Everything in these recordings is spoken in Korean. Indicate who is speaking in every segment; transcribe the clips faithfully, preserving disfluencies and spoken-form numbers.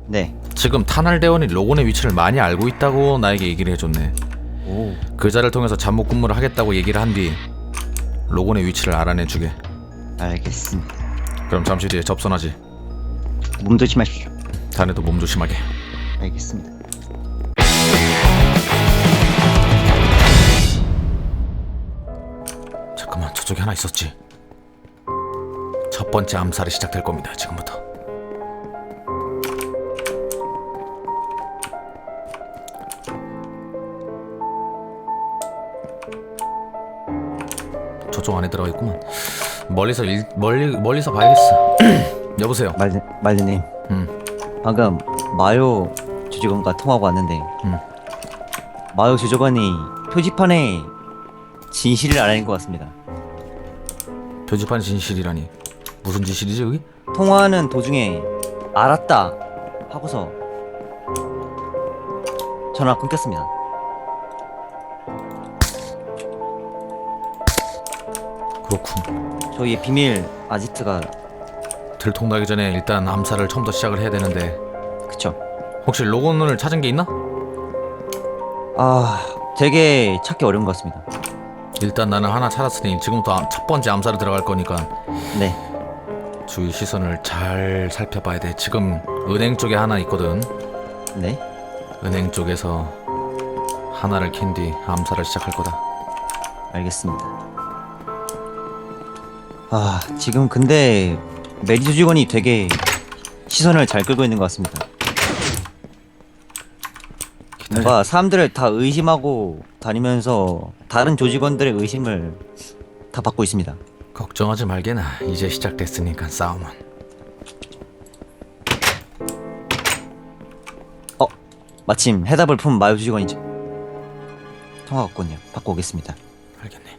Speaker 1: 네.
Speaker 2: 지금 탄알대원이 로곤의 위치를 많이 알고 있다고 나에게 얘기를 해줬네.
Speaker 1: 오.
Speaker 2: 그자를 통해서 잠복 근무를 하겠다고 얘기를 한 뒤 로곤의 위치를 알아내주게.
Speaker 1: 알겠습니다.
Speaker 2: 그럼 잠시 뒤에 접선하지.
Speaker 1: 몸 조심하십시오.
Speaker 2: 자네도 몸 조심하게.
Speaker 1: 알겠습니다.
Speaker 2: 잠깐만, 저쪽에 하나 있었지. 첫 번째 암살이 시작될 겁니다. 지금부터. 저쪽 안에 들어가 있구만. 멀리서 일, 멀리 멀리서 봐야겠어. 여보세요.
Speaker 1: 말리 말리님.
Speaker 2: 음.
Speaker 1: 방금 마요 주직원과 통화가 왔는데.
Speaker 2: 음.
Speaker 1: 마요 주직원이 표지판에 진실을 알아낸 것 같습니다.
Speaker 2: 표지판 진실이라니. 무슨 진실이지 여기?
Speaker 1: 통화하는 도중에 알았다 하고서 전화 끊겼습니다.
Speaker 2: 그렇군.
Speaker 1: 저희의 비밀 아지트가
Speaker 2: 들통나기 전에 일단 암살을 처음부터 시작을 해야 되는데.
Speaker 1: 그쵸.
Speaker 2: 혹시 로건을 찾은 게 있나?
Speaker 1: 아 되게 찾기 어려운 것 같습니다.
Speaker 2: 일단 나는 하나 찾았으니 지금부터 암- 첫 번째 암살에 들어갈 거니까
Speaker 1: 네.
Speaker 2: 주위 시선을 잘 살펴봐야 돼. 지금 은행 쪽에 하나 있거든.
Speaker 1: 네.
Speaker 2: 은행 쪽에서 하나를 캔 뒤 암살을 시작할 거다.
Speaker 1: 알겠습니다. 아 지금 근데 메리 조직원이 되게 시선을 잘 끌고 있는 것 같습니다.
Speaker 2: 기다려.
Speaker 1: 뭔가 사람들을 다 의심하고 다니면서 다른 조직원들의 의심을 다 받고 있습니다.
Speaker 2: 걱정하지 말게나. 이제 시작됐으니까 싸움은.
Speaker 1: 어 마침 해답을 푼 마요 조직원이죠. 통화 왔군요. 받고 오겠습니다.
Speaker 2: 알겠네.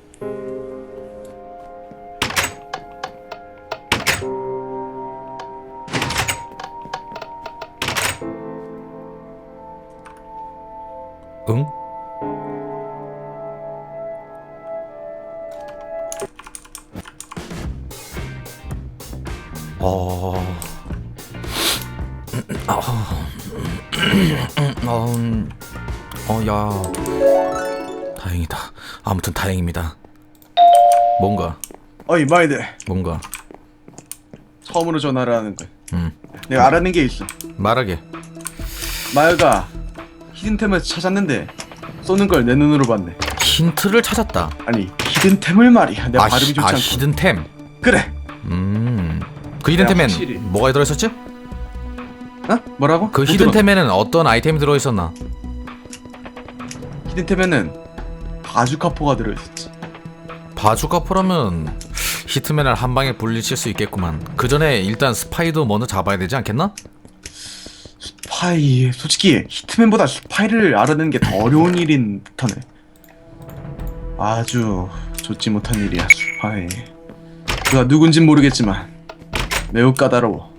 Speaker 2: 응? 어... 어... 어... 어... 야... 다행이다. 아무튼 다행입니다. 뭔가
Speaker 3: 어이 마이들,
Speaker 2: 뭔가
Speaker 3: 처음으로 전화를 하는 거야.
Speaker 2: 음
Speaker 3: 내가 알아낸 게 있어.
Speaker 2: 말하게.
Speaker 3: 마야가 히든템을 찾았는데 쏘는 걸 내 눈으로 봤네.
Speaker 2: 힌트를 찾았다.
Speaker 3: 아니 히든템을 말이야. 내가
Speaker 2: 아,
Speaker 3: 발음이
Speaker 2: 히,
Speaker 3: 좋지
Speaker 2: 아
Speaker 3: 않고.
Speaker 2: 히든템.
Speaker 3: 그래.
Speaker 2: 음그 히든템엔
Speaker 3: 확실히.
Speaker 2: 뭐가 들어있었지?
Speaker 3: 어? 뭐라고?
Speaker 2: 그
Speaker 3: 못
Speaker 2: 히든템에는 어떤 아이템이 들어있었나?
Speaker 3: 들었어. 히든템에는 바주카포가 들어있었지.
Speaker 2: 바주카포라면 히트맨을 한 방에 분리칠 수 있겠구만. 그 전에 일단 스파이도 먼저 잡아야 되지 않겠나?
Speaker 3: 스파이. 솔직히 히트맨보다 스파이를 알아내는 게 더 어려운 일인 듯하네. 아주 좋지 못한 일이야. 스파이. 그가 누군진 모르겠지만 매우 까다로워.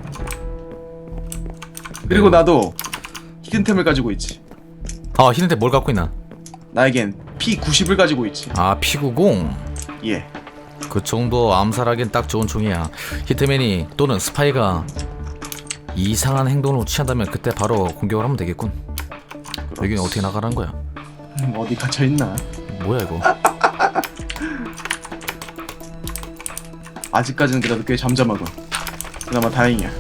Speaker 3: 그리고
Speaker 2: 매우-
Speaker 3: 나도 히든템을 가지고 있지.
Speaker 2: 아 히든템 뭘 갖고 있나?
Speaker 3: 나에겐 피 구십을 가지고 있지.
Speaker 2: 아 피구공.
Speaker 3: 예.
Speaker 2: 그 정도 암살하기엔 딱 좋은 총이야. 히트맨이 또는 스파이가 이상한 행동을 취한다면 그때 바로 공격을 하면 되겠군. 여기는 어떻게 나가라는 거야?
Speaker 3: 음, 어디 갇혀 있나?
Speaker 2: 뭐야 이거?
Speaker 3: 아직까지는 그래도 꽤 잠잠하군. 그나마 다행이야.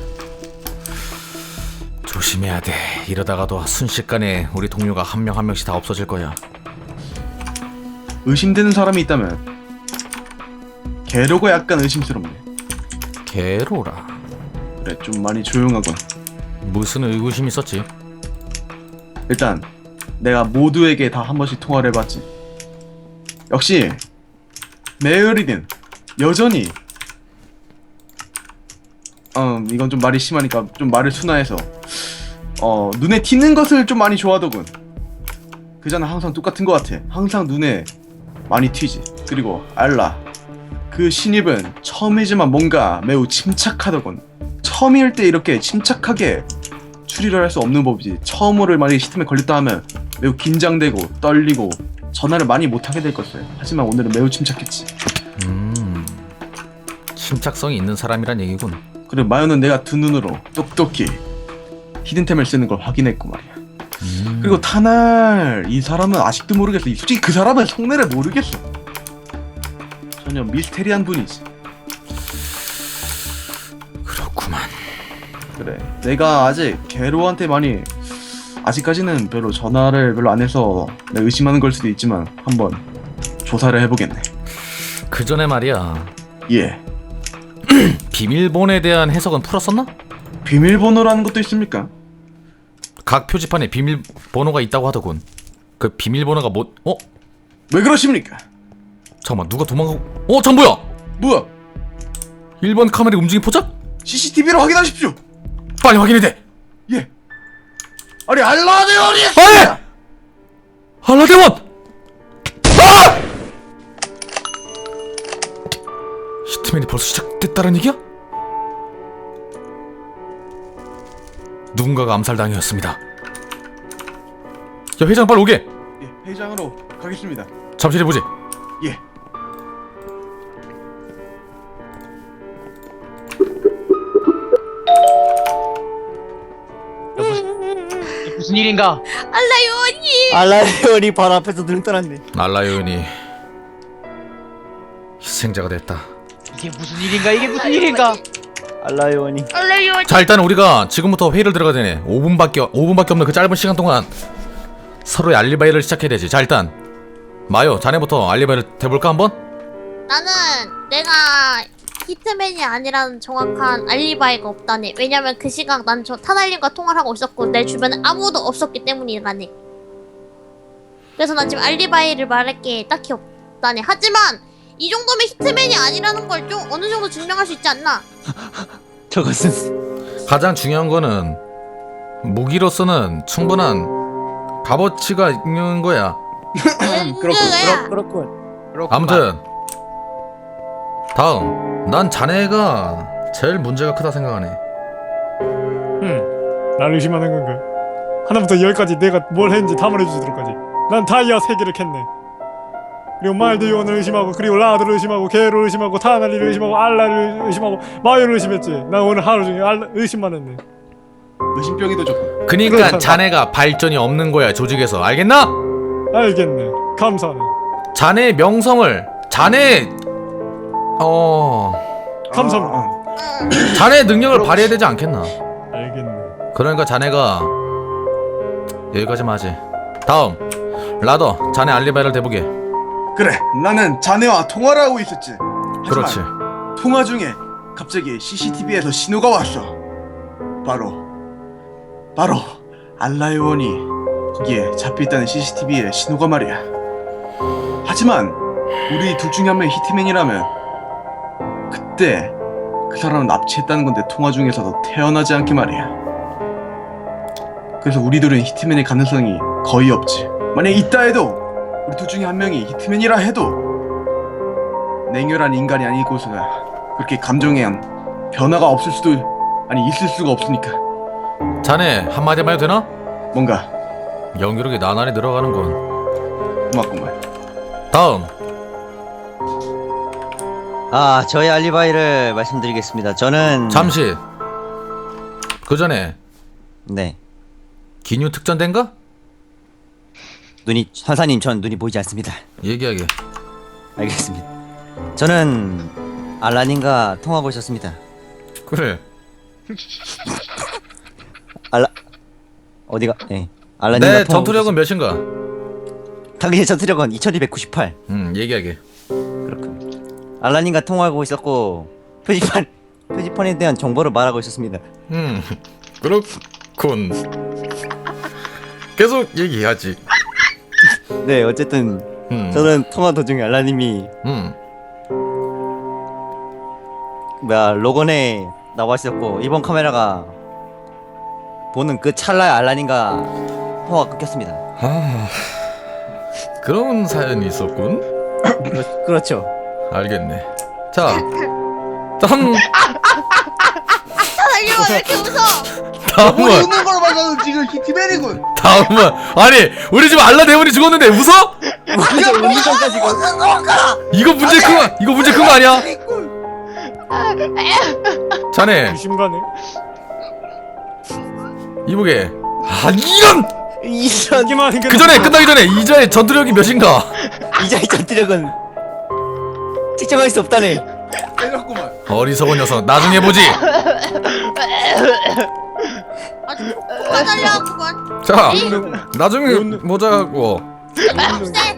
Speaker 2: 조심해야 돼. 이러다가도 순식간에 우리 동료가 한 명 한 명씩 다 없어질 거야.
Speaker 3: 의심되는 사람이 있다면 게로가 약간 의심스럽네.
Speaker 2: 게로라.
Speaker 3: 그래, 좀 많이 조용하군.
Speaker 2: 무슨 의구심이 있었지?
Speaker 3: 일단 내가 모두에게 다 한 번씩 통화를 해봤지. 역시 메어리는 여전히 음 이건 좀 말이 심하니까 좀 말을 순화해서 어 눈에 튀는 것을 좀 많이 좋아하더군. 그자는 항상 똑같은 것 같아. 항상 눈에 많이 튀지. 그리고 알라, 그 신입은 처음이지만 뭔가 매우 침착하더군. 처음일 때 이렇게 침착하게 추리를 할 수 없는 법이지. 처음으로 만약에 시스템에 걸렸다 하면 매우 긴장되고 떨리고 전화를 많이 못하게 될 것을. 하지만 오늘은 매우 침착했지.
Speaker 2: 음... 침착성이 있는 사람이란 얘기군.
Speaker 3: 그리고 마요는 내가 두 눈으로 똑똑히 히든템을 쓰는 걸 확인했고 말이야.
Speaker 2: 음.
Speaker 3: 그리고 타날 이 사람은 아직도 모르겠어. 이- 솔직히 그 사람은 속내를 모르겠어. 전혀 미스테리한 분이지.
Speaker 2: 그렇구만.
Speaker 3: 그래. 내가 아직 게로한테 많이 아직까지는 별로 전화를 별로 안 해서 내가 의심하는 걸 수도 있지만 한번 조사를 해보겠네.
Speaker 2: 그 전에 말이야.
Speaker 3: 예.
Speaker 2: 비밀번호에 대한 해석은 풀었었나?
Speaker 3: 비밀번호라는 것도 있습니까?
Speaker 2: 각 표지판에 비밀번호가 있다고 하더군. 그 비밀번호가 뭐? 어?
Speaker 3: 왜 그러십니까?
Speaker 2: 잠깐만 누가 도망가고? 어? 잠 뭐야?
Speaker 3: 뭐야?
Speaker 2: 일 번 카메라 움직임 포착?
Speaker 3: 씨씨티비로 확인하십시오.
Speaker 2: 빨리 확인해 돼.
Speaker 3: 예. 아니 알라데온이
Speaker 2: 아니! 알라데원! 아! 히트맨이 벌써 시작됐다는 얘기야? 누군가가 암살당했습니다. 야 회장 빨리 오게.
Speaker 3: 예, 회장으로 가겠습니다.
Speaker 2: 잠실 해보지.
Speaker 3: 예.
Speaker 4: 무슨 일인가?
Speaker 5: 알라요님.
Speaker 1: 알라리온이 바로 앞에서 등 떠났네.
Speaker 2: 알라요인이 희생자가 됐다.
Speaker 4: 이게 무슨 일인가? 이게 무슨 일인가?
Speaker 1: 알라리온이.
Speaker 5: 알라요.
Speaker 2: 자 일단 우리가 지금부터 회의를 들어가야 되네. 오 분밖에 오 분밖에 없는 그 짧은 시간 동안 서로의 알리바이를 시작해야 되지. 자 일단 마요 자네부터 알리바이를 대볼까 한번?
Speaker 5: 나는 내가 히트맨이 아니라는 정확한 알리바이가 없다네. 왜냐면 그 시각 난 저 타날님과 통화를 하고 있었고 내 주변에 아무도 없었기 때문이라네. 그래서 난 지금 알리바이를 말할 게 딱히 없다네. 하지만 이 정도면 히트맨이 아니라는 걸 좀 어느 정도 증명할 수 있지 않나?
Speaker 1: 저것은
Speaker 2: 가장 중요한 거는 무기로서는 충분한 값어치가 있는 거야.
Speaker 5: 응,
Speaker 3: 그렇군,
Speaker 5: 그거야.
Speaker 1: 그렇군.
Speaker 2: 아무튼 다음 난 자네가 제일 문제가 크다 생각하네.
Speaker 6: 응, 날 의심하는 건가? 하나부터 열까지 내가 뭘 했는지 다 말해주도록 하지. 난 다이아 세 개를 캤네. 그리고 말드요원을 의심하고, 그리고 라드를 의심하고, 게를 의심하고, 타나리를 의심하고, 알라를 의심하고, 마요를 의심했지. 난 오늘 하루 종일 알라, 의심만 했네.
Speaker 3: 의심병이도 좋고.
Speaker 2: 그니까 자네가 발전이 없는 거야 조직에서. 알겠나?
Speaker 6: 알겠네. 감사하네.
Speaker 2: 자네의 명성을 자네 어
Speaker 6: 감사합니다.
Speaker 3: 아,
Speaker 5: 응.
Speaker 2: 자네의 능력을 발휘해야 되지 않겠나?
Speaker 6: 알겠네.
Speaker 2: 그러니까 자네가 여기까지만 하지. 다음 라더 자네 알리바이를 대보게.
Speaker 3: 그래. 나는 자네와 통화를 하고 있었지. 하지만
Speaker 2: 그렇지.
Speaker 3: 통화 중에 갑자기 씨씨티비에서 신호가 왔어. 바로 바로 알라요원이 거기에 잡혀있다는 씨씨티비의 신호가 말이야. 하지만 우리 둘 중에 한 명이 히트맨이라면 그때 그 사람을 납치했다는 건데 통화 중에서도 태어나지 않게 말이야. 그래서 우리들은 히트맨의 가능성이 거의 없지. 만약에 있다 해도 우리 둘 중에 한 명이 히트맨이라 해도 냉혈한 인간이 아니고서야 그렇게 감정에 변화가 없을 수도 아니 있을 수가 없으니까.
Speaker 2: 자네 한마디만 해도 되나?
Speaker 3: 뭔가
Speaker 2: 연기력이 나날이 늘어가는군.
Speaker 3: 고맙구만.
Speaker 2: 다음
Speaker 1: 아 저의 알리바이를 말씀드리겠습니다. 저는
Speaker 2: 잠시 그 전에
Speaker 1: 네
Speaker 2: 기뉴 특전대인가?
Speaker 1: 눈이 선사님 전 눈이 보이지 않습니다.
Speaker 2: 얘기하게.
Speaker 1: 알겠습니다. 저는 알라님과 통화하고 있었습니다.
Speaker 2: 그래.
Speaker 1: 알라 어디가? 예. 알라님과
Speaker 2: 내
Speaker 1: 통화하고
Speaker 2: 전투력은 몇인가?
Speaker 1: 있었- 당신의 전투력은 이천이백구십팔.
Speaker 2: 음 얘기하게.
Speaker 1: 그렇군. 알라님과 통화하고 있었고 표지판 표지판에 대한 정보를 말하고 있었습니다.
Speaker 2: 음 그렇군. 계속 얘기하지.
Speaker 1: 네 어쨌든
Speaker 2: 음.
Speaker 1: 저는 통화 도중에 알라님이
Speaker 2: 음.
Speaker 1: 뭐야 로건에 나와 있었고 이번 카메라가 보는 그 찰나에 알라님과 통화가 끊겼습니다.
Speaker 2: 아 그런 사연이 있었군.
Speaker 1: 그렇, 그렇죠.
Speaker 2: 알겠네. 자 다음
Speaker 5: 타날님 왜 이렇게 웃어?
Speaker 2: 다음은
Speaker 3: 웃는 걸 봐서는 지금 히트맨이군.
Speaker 2: 다음은 아니 우리 집 알라 대원이 죽었는데 웃어?
Speaker 1: 완전 웃는 전까지 이거.
Speaker 2: 이거 문제 큰 거, 이거 문제 큰 거 아니야? 자네
Speaker 6: 의심가네.
Speaker 2: 이보게. 아 이런!
Speaker 1: 이전
Speaker 6: 이기만
Speaker 2: 그 전에 끝나기 전에 이자의 전투력이 몇인가?
Speaker 1: 이자의 전투력은 측정할 수 없다네.
Speaker 3: 빼놨구만.
Speaker 2: 어리석은 녀석. 나중에 보지.
Speaker 5: 아주 폭파 달려구만.
Speaker 2: 자, 나중에 보자고.
Speaker 5: 없애.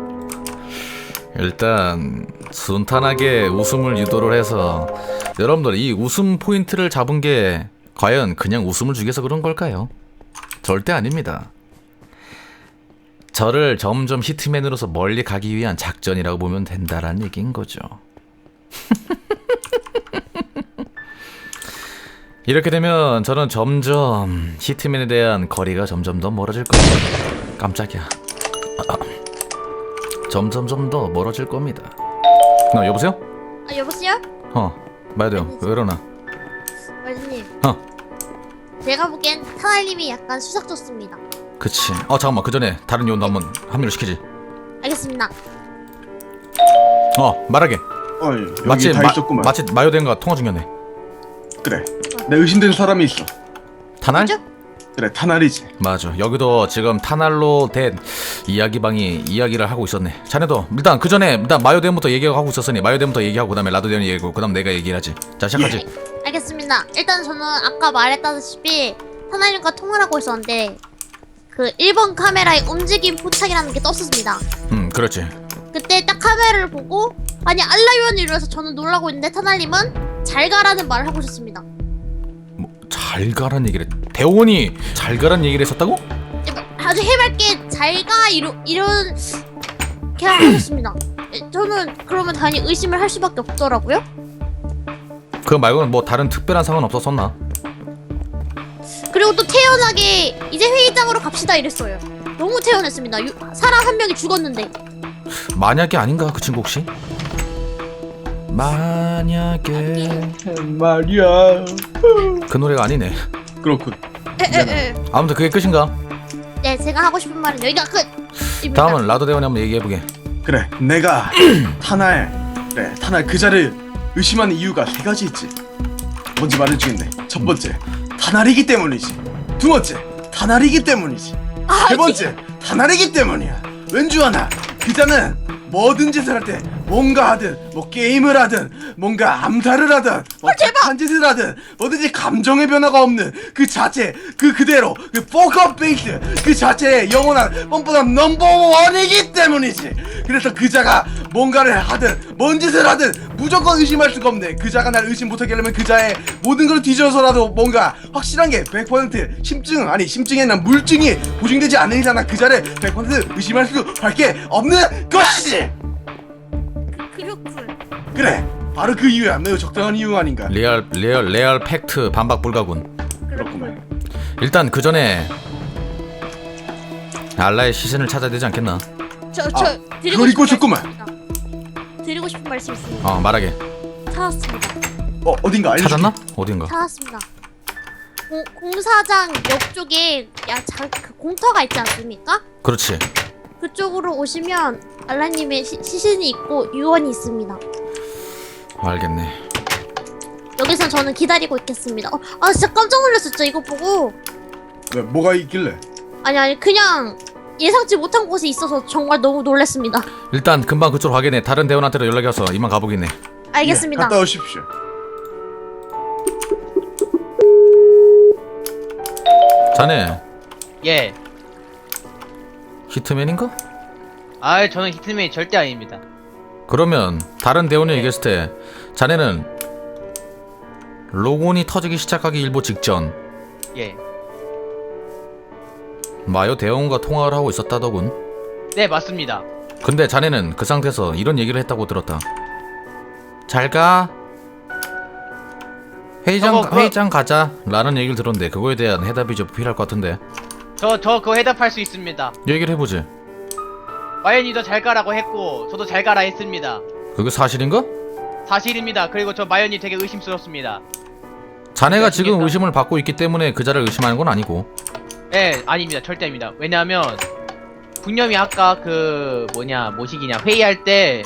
Speaker 2: 일단 순탄하게 웃음을 유도를 해서 여러분들 이 웃음 포인트를 잡은 게 과연 그냥 웃음을 주기 위해서 그런 걸까요? 절대 아닙니다. 저를 점점 히트맨으로서 멀리 가기 위한 작전이라고 보면 된다라는 얘기인 거죠. 이렇게 되면 저는 점점 히트맨에 대한 거리가 점점 더 멀어질 겁니다. 깜짝이야. 점점점 더 멀어질 겁니다. 어, 여보세요?
Speaker 5: 아 여보세요?
Speaker 2: 어, 말돼요. 왜 이러나?
Speaker 5: 말님.
Speaker 2: 어.
Speaker 5: 제가 보기엔 타날님이 약간 수작 좋습니다.
Speaker 2: 그치. 어, 잠깐만. 그 전에 다른 요원도 한번 합류를 시키지.
Speaker 5: 알겠습니다.
Speaker 2: 어, 말하게.
Speaker 3: 어이, 여기
Speaker 2: 마치
Speaker 3: 다
Speaker 2: 마,
Speaker 3: 있었구만.
Speaker 2: 마치 마요덴과 통화 중이었네.
Speaker 3: 그래. 내 의심되는 사람이 있어.
Speaker 2: 타날?
Speaker 5: 그죠?
Speaker 3: 그래, 타날이지.
Speaker 2: 맞아. 여기도 지금 타날로 된 이야기방이 이야기를 하고 있었네. 자네도 일단 그 전에 일단 마요덴부터 얘기하고 있었으니 마요덴부터 얘기하고 그다음에 라도덴 얘기하고 그다음 내가 얘기를 하지. 자, 시작하지.
Speaker 5: 알겠습니다. 일단 저는 아까 말했다시피 타날님과 통화를 하고 있었는데 그 일 번 카메라에 움직임 포착이라는 게 떴습니다.
Speaker 2: 음, 그렇지.
Speaker 5: 그때 딱 카메라를 보고 아니 알라요원이 이러면서 저는 놀라고 있는데 타날님은 잘 가라는 말을 하고 있었습니다.
Speaker 2: 뭐, 잘 가란 얘기를 대원이 잘 가란 얘기를 했었다고?
Speaker 5: 아주 해맑게 잘 가 이러 이런 그냥 하셨습니다. 저는 그러면 당연히 의심을 할 수밖에 없더라고요.
Speaker 2: 그거 말고는 뭐 다른 특별한 상황은 없었었나?
Speaker 5: 그리고 또 태연하게 이제 회의장으로 갑시다 이랬어요. 너무 태연했습니다. 유, 사람 한 명이 죽었는데.
Speaker 2: 만약에 아닌가 그 친구 혹시? 만약에
Speaker 3: 말이야.
Speaker 2: 그 노래가 아니네.
Speaker 3: 그렇군.
Speaker 5: 에에에.
Speaker 2: 아무튼 그게 끝인가?
Speaker 5: 네, 제가 하고 싶은 말은 여기가 끝.
Speaker 2: 다음은 라도 대원이 한번 얘기해보게.
Speaker 3: 그래, 내가 타날. 그래, 타날 그자를 의심하는 이유가 세 가지 있지. 뭔지 말해주겠네. 첫 번째, 타날이기 때문이지. 두 번째, 타날이기 때문이지. 세 번째, 타날이기 때문이야. 왠지 아나 그자는 뭐든 짓을 할 때 뭔가 하든 뭐 게임을 하든 뭔가 암살을 하든 뭐 착한 짓을 하든 뭐든지 감정의 변화가 없는 그 자체 그 그대로 그 포커 페이스 그 자체의 영원한 뻔뻔한 넘버원이기 때문이지. 그래서 그자가 뭔가를 하든 뭔 짓을 하든 무조건 의심할 수가 없네. 그자가 날 의심 못하게 하려면 그자의 모든 걸 뒤져서라도 뭔가 확실한 게 백 퍼센트 심증 아니 심증이 아니라 물증이 보증되지 않는 이상 그자를 백 퍼센트 의심할 수밖에 없는 것이지.
Speaker 5: 그렇군.
Speaker 3: 그래, 바로 그 이유야. 매우 적당한 이유 아닌가.
Speaker 2: 리얼 리얼 레알 팩트 반박 불가군.
Speaker 3: 그렇구만.
Speaker 2: 일단 그 전에 알라의 시신을 찾아야 되지 않겠나?
Speaker 5: 저 저
Speaker 3: 아,
Speaker 5: 드리고
Speaker 3: 그걸 잊고
Speaker 5: 싶은
Speaker 3: 싶구만.
Speaker 5: 말씀 있습니다. 드리고 싶은 말씀 있습니다.
Speaker 2: 어, 말하게.
Speaker 5: 찾았습니다.
Speaker 3: 어, 어딘가 알려줄게.
Speaker 2: 찾았나? 어딘가?
Speaker 5: 찾았습니다. 공, 공사장 옆 쪽에 야, 자, 그 공터가 있지 않습니까?
Speaker 2: 그렇지.
Speaker 5: 그쪽으로 오시면 알라님의 시, 시신이 있고 유언이 있습니다.
Speaker 2: 알겠네.
Speaker 5: 여기서 저는 기다리고 있겠습니다. 어, 아 진짜 깜짝 놀랐었죠 이거 보고.
Speaker 3: 왜, 뭐가 있길래?
Speaker 5: 아니 아니 그냥 예상치 못한 곳에 있어서 정말 너무 놀랐습니다.
Speaker 2: 일단 금방 그쪽으로 가겠네. 다른 대원한테도 연락이 와서 이만 가보겠네.
Speaker 5: 알겠습니다.
Speaker 3: 예, 갔다 오십시오.
Speaker 2: 자네
Speaker 4: 예.
Speaker 2: 히트맨인가?
Speaker 4: 아, 저는 히트맨이 절대 아닙니다.
Speaker 2: 그러면 다른 대원이 얘기했을 때 자네는 로곤이 터지기 시작하기 일보 직전
Speaker 4: 예.
Speaker 2: 마요 대원과 통화를 하고 있었다더군.
Speaker 4: 네, 맞습니다.
Speaker 2: 근데 자네는 그 상태에서 이런 얘기를 했다고 들었다. 잘가. 회의장
Speaker 4: 저거 그-
Speaker 2: 회의장 가자 라는 얘기를 들었는데 그거에 대한 해답이 좀 필요할 것 같은데
Speaker 4: 저, 저 그거 해답할 수 있습니다.
Speaker 2: 얘기를 해보지.
Speaker 4: 마연이도 잘 가라고 했고, 저도 잘 가라 했습니다.
Speaker 2: 그게 사실인가?
Speaker 4: 사실입니다. 그리고 저 마연이 되게 의심스럽습니다.
Speaker 2: 자네가 지금
Speaker 4: 아시겠다.
Speaker 2: 의심을 받고 있기 때문에 그자를 의심하는 건 아니고.
Speaker 4: 네, 아닙니다. 절대 아닙니다. 왜냐하면 분념이 아까 그 뭐냐 뭐시기냐 회의할 때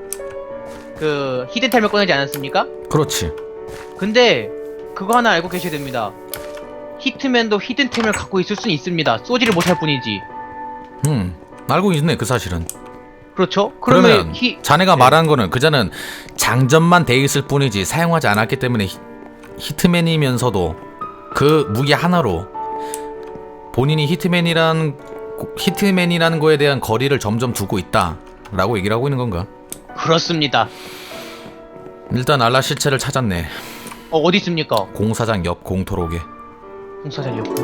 Speaker 4: 그 히든템을 꺼내지 않았습니까?
Speaker 2: 그렇지.
Speaker 4: 근데 그거 하나 알고 계셔야 됩니다. 히트맨도 히든템을 갖고 있을 수는 있습니다. 쏘지를 못할 뿐이지.
Speaker 2: 음 알고 있네 그 사실은.
Speaker 4: 그렇죠? 그러면
Speaker 2: 그러면
Speaker 4: 히
Speaker 2: 자네가
Speaker 4: 네.
Speaker 2: 말한 거는 그자는 장전만 돼 있을 뿐이지 사용하지 않았기 때문에 히, 히트맨이면서도 그 무기 하나로 본인이 히트맨이란 히트맨이라는 거에 대한 거리를 점점 두고 있다라고 얘기를 하고 있는 건가?
Speaker 4: 그렇습니다.
Speaker 2: 일단 알라 시체를 찾았네.
Speaker 4: 어 어디 있습니까?
Speaker 2: 공사장 옆 공토록에.
Speaker 4: 공사장 옆.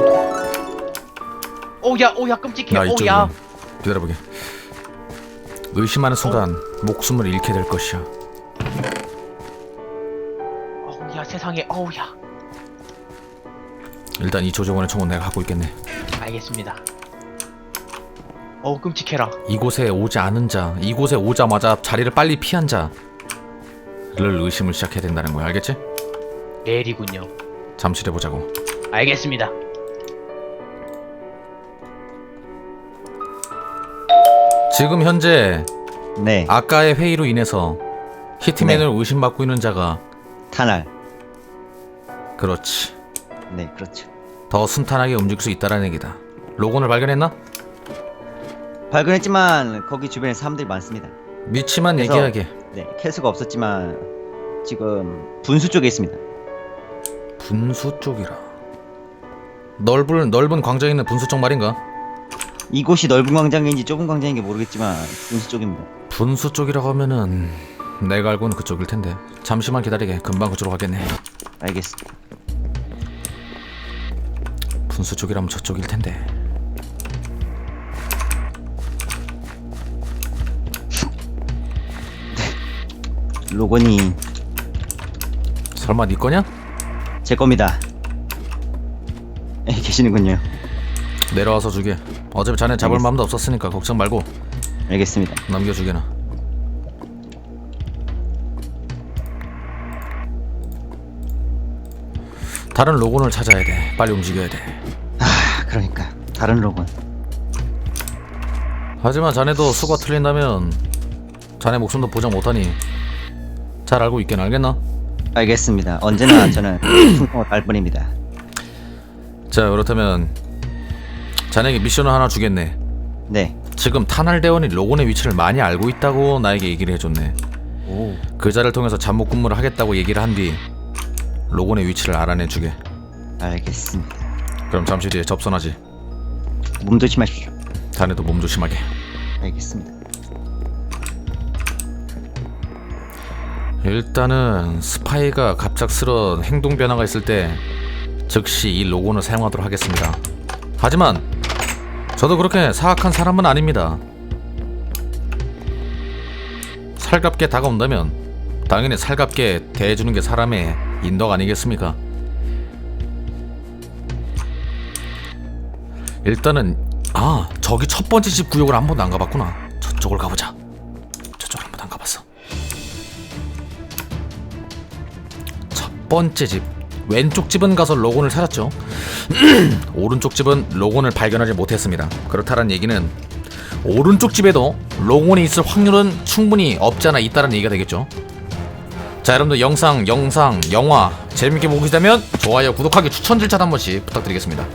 Speaker 4: 오야 오야 끔찍해.
Speaker 2: 나
Speaker 4: 오야.
Speaker 2: 이쪽으로 기다려보게. 의심하는 순간 목숨을 잃게 될 것이야.
Speaker 4: 어우야 세상에. 어우야.
Speaker 2: 일단 이 조정원의 총은 내가 갖고 있겠네.
Speaker 4: 알겠습니다. 어우 끔찍해라.
Speaker 2: 이곳에 오지 않은 자, 이곳에 오자마자 자리를 빨리 피한 자를 의심을 시작해야 된다는 거야. 알겠지?
Speaker 4: 내일이군요.
Speaker 2: 잠실해 보자고.
Speaker 4: 알겠습니다.
Speaker 2: 지금 현재
Speaker 1: 네.
Speaker 2: 아까의 회의로 인해서 히트맨을
Speaker 1: 네.
Speaker 2: 의심받고 있는 자가
Speaker 1: 탄알.
Speaker 2: 그렇지.
Speaker 1: 네, 그렇죠.
Speaker 2: 더 순탄하게 움직일 수 있다라는 얘기다. 로건을 발견했나?
Speaker 1: 발견했지만 거기 주변에 사람들이 많습니다.
Speaker 2: 미치만
Speaker 1: 그래서-
Speaker 2: 얘기하게.
Speaker 1: 네, 캐수가 없었지만 지금 분수 쪽에 있습니다.
Speaker 2: 분수 쪽이라. 넓은 넓은 광장에 있는 분수 쪽 말인가?
Speaker 1: 이곳이 넓은 광장인지 좁은 광장인지 모르겠지만 분수 쪽입니다.
Speaker 2: 분수 쪽이라고 하면은 내가 알고는 그쪽일 텐데. 잠시만 기다리게. 금방 그쪽으로 가겠네.
Speaker 1: 알겠습니다.
Speaker 2: 분수 쪽이라면 저쪽일 텐데.
Speaker 1: 로건이
Speaker 2: 설마 네 거냐?
Speaker 1: 제 겁니다. 에, 계시는군요.
Speaker 2: 내려와서 주게. 어차피 자네 잡을
Speaker 1: 알겠습니다.
Speaker 2: 마음도 없었으니까 걱정 말고
Speaker 1: 알겠습니다.
Speaker 2: 남겨주게나. 다른 로건을 찾아야 돼. 빨리 움직여야 돼.
Speaker 1: 아, 그러니까 다른 로건.
Speaker 2: 하지만 자네도 수가 틀린다면 자네 목숨도 보장 못하니 잘 알고 있긴 알겠나?
Speaker 1: 알겠습니다. 언제나 저는 풍성을 달 뿐입니다.
Speaker 2: 자 그렇다면 자네에게 미션을 하나 주겠네.
Speaker 1: 네.
Speaker 2: 지금 탄알대원이 로건의 위치를 많이 알고 있다고 나에게 얘기를 해줬네.
Speaker 1: 오.
Speaker 2: 그 자를 통해서 잠복 근무를 하겠다고 얘기를 한 뒤 로건의 위치를 알아내주게.
Speaker 1: 알겠습니다.
Speaker 2: 그럼 잠시 뒤에 접선하지.
Speaker 1: 몸 조심하십시오.
Speaker 2: 자네도 몸 조심하게.
Speaker 1: 알겠습니다.
Speaker 2: 일단은 스파이가 갑작스런 행동 변화가 있을 때 즉시 이 로건을 사용하도록 하겠습니다. 하지만 저도 그렇게 사악한 사람은 아닙니다. 살갑게 다가온다면 당연히 살갑게 대해주는 게 사람의 인덕 아니겠습니까? 일단은 아 저기 첫 번째 집 구역을 한 번도 안 가봤구나. 저쪽을 가보자. 저쪽을 한 번도 안 가봤어. 첫 번째 집 왼쪽 집은 가서 로건을 찾았죠. 오른쪽 집은 로건을 발견하지 못했습니다. 그렇다는 얘기는 오른쪽 집에도 로건이 있을 확률은 충분히 없지 않아 있다는 얘기가 되겠죠. 자 여러분들 영상, 영상, 영화 재밌게 보고 계시다면 좋아요, 구독하기, 추천 절차 한 번씩 부탁드리겠습니다.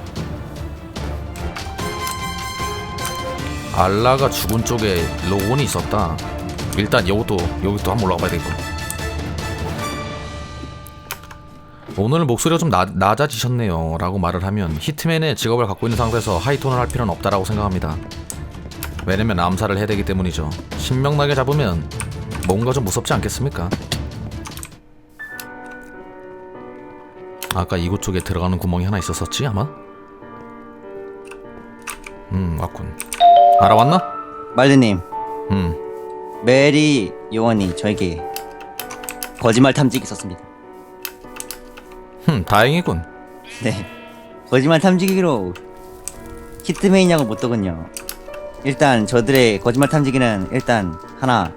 Speaker 2: 알라가 죽은 쪽에 로건이 있었다. 일단 여기도 여기도 한번 올라가 봐야 되겠고. 오늘 목소리가 좀 나, 낮아지셨네요 라고 말을 하면 히트맨의 직업을 갖고 있는 상태에서 하이톤을 할 필요는 없다라고 생각합니다. 왜냐면 암살을 해야 되기 때문이죠. 신명나게 잡으면 뭔가 좀 무섭지 않겠습니까? 아까 이곳 쪽에 들어가는 구멍이 하나 있었었지 아마? 음 왔군. 알아왔나?
Speaker 1: 말드님,
Speaker 2: 음
Speaker 1: 메리 요원이 저에게 거짓말 탐지기 썼습니다.
Speaker 2: 흠, 다행이군.
Speaker 1: 네. 거짓말 탐지기로 히트맨이냐고 묻더군요. 일단 저들의 거짓말 탐지기는 일단 하나.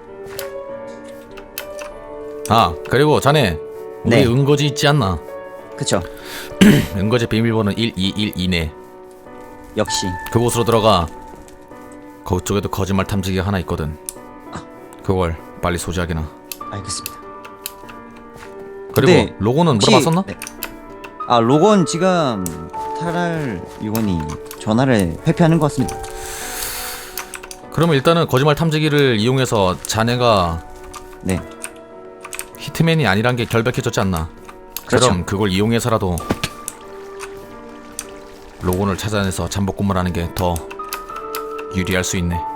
Speaker 2: 아 그리고 자네 우리
Speaker 1: 네.
Speaker 2: 은거지 있지 않나?
Speaker 1: 그쵸.
Speaker 2: 은거지 비밀번호 일이일이네.
Speaker 1: 역시.
Speaker 2: 그곳으로 들어가. 그쪽에도 거짓말 탐지기가 하나 있거든. 그걸 빨리 소지하게나.
Speaker 1: 알겠습니다.
Speaker 2: 그리고
Speaker 1: 근데
Speaker 2: 로고는
Speaker 1: 혹시-
Speaker 2: 물어봤었나?
Speaker 1: 네. 아, 로건 지금 차랄 요원이 전화를 회피하는 것 같습니다.
Speaker 2: 그러면 일단은 거짓말 탐지기를 이용해서 자네가
Speaker 1: 네,
Speaker 2: 히트맨이 아니란 게 결백해졌지 않나?
Speaker 1: 그렇죠.
Speaker 2: 그럼 그걸 이용해서라도 로건을 찾아내서 잠복 근무를 하는 게 더 유리할 수 있네.